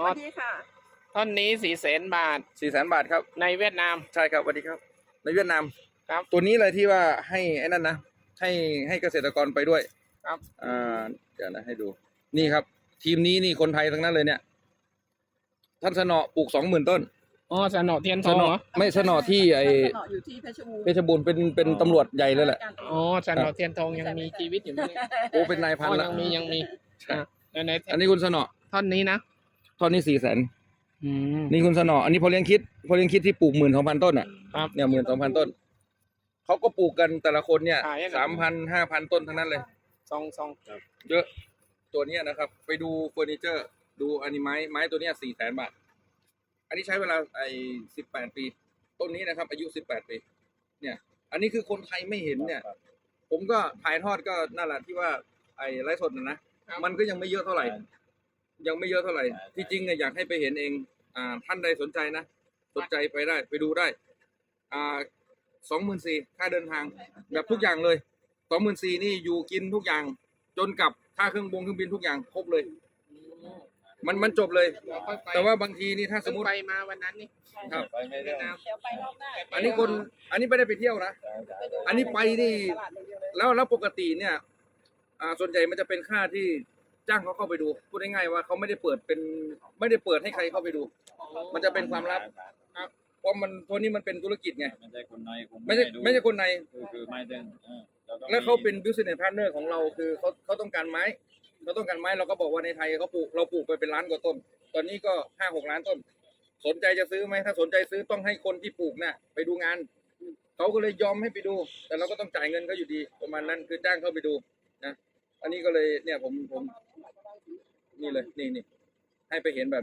สวัสดีค่ะท่อนนี้400,000 บาท 400,000 บาทครับในเวียดนามใช่ครับสวัสดีครับในเวียดนามครับตัวนี้เลยที่ว่าให้ไอ้นั่นนะให้เกษตรกรไปด้วยครับเดี๋ยวนะให้ดูนี่ครับ ทีมนี้นี่คนไทยทั้งนั้นเลยเนี่ยท่านสนอปลูก20,000 ต้นอ๋อสนอเทียนทสองนอเหรอไม่สนอที่ไอ้สนออยู่ที่เพชรบูรณ์เพชรบูรณ์เป็นตำรวจใหญ่เลยแหละอ๋อสนอเทียนทองยังมีชีวิตอยู่ไหมเนี่ยโอ้เป็นนายพันอ๋อละยังมีใช่ในอันนี้คุณสนอท่อนนี้นะตอนนี้400,000 อืมนี่คุณสนออันนี้พอเลี้ยงคิดที่ปลูก12,000 ต้นอ่ะครับเนี่ย12,000 ต้นเขาก็ปลูกกันแต่ละคนเนี่ยขายยังไง 3,000 5,000 ต้นทั้งนั้นเลยซองเยอะตัวเนี้ยนะครับ ไปดูเฟอร์นิเจอร์ ดูอันนี้ไม้ตัวเนี้ย400,000 บาท อันนี้ใช้เวลา18 ปี ต้นนี้นะครับ อายุ18 ปี เนี่ย อันนี้คือคนไทยไม่เห็นเนี่ย ผมก็ถ่ายทอดก็นั่นแหละที่ว่าไอ้ไลฟ์สดนะมันก็ยังไม่เยอะเท่าไหร่ ยังไม่เยอะเท่าไหร่ ที่จริงเนี่ยอยากให้ไปเห็นเองท่านใดสนใจนะสนใจไปได้ไปดูได้24,000ค่าเดินทาง แบบทุกอย่างเลย24,000นี่อยู่กินทุกอย่าง จนกับค่าเครื่องบินทุกอย่างครบเลย มันจบเลย แต่ว่าบางทีนี่ถ้าสมมติไปมาวันนั้นนี่ครับเวียดนามเดี๋ยวไปรอบหน้าอันนี้ไม่ได้ไปเที่ยวนะ อันนี้ไปนี่แล้วปกติเนี่ยส่วนใหญ่มันจะเป็นค่าที่จ้างเขาเข้าไปดูพูดง่ายๆว่าเขาไม่ได้เปิดให้ใครเข้าไปดู มันจะเป็นความลับครับเพราะมันตัวนี้มันเป็นธุรกิจไงไม่ใช่คนในไม่ใช่คนในคือไม่ได้แล้วเขาเป็น business partner ของเราคือเขาต้องการไม้เราก็บอกว่าในไทยเราปลูกไปเป็นล้านกว่าต้น ตอนนี้ก็5-6 ล้านต้น สนใจจะซื้อไหมถ้าสนใจซื้อต้องให้คนที่ปลูกเนี่ยไปดูงานเขาก็เลยยอมให้ไปดู แต่เราก็ต้องจ่ายเงินเขาอยู่ดีประมาณนั้นคือจ้างเขาไปดูนะอันนี้ก็เลยเนี่ยผมนี่เลยนี่ให้ไปเห็นแบบ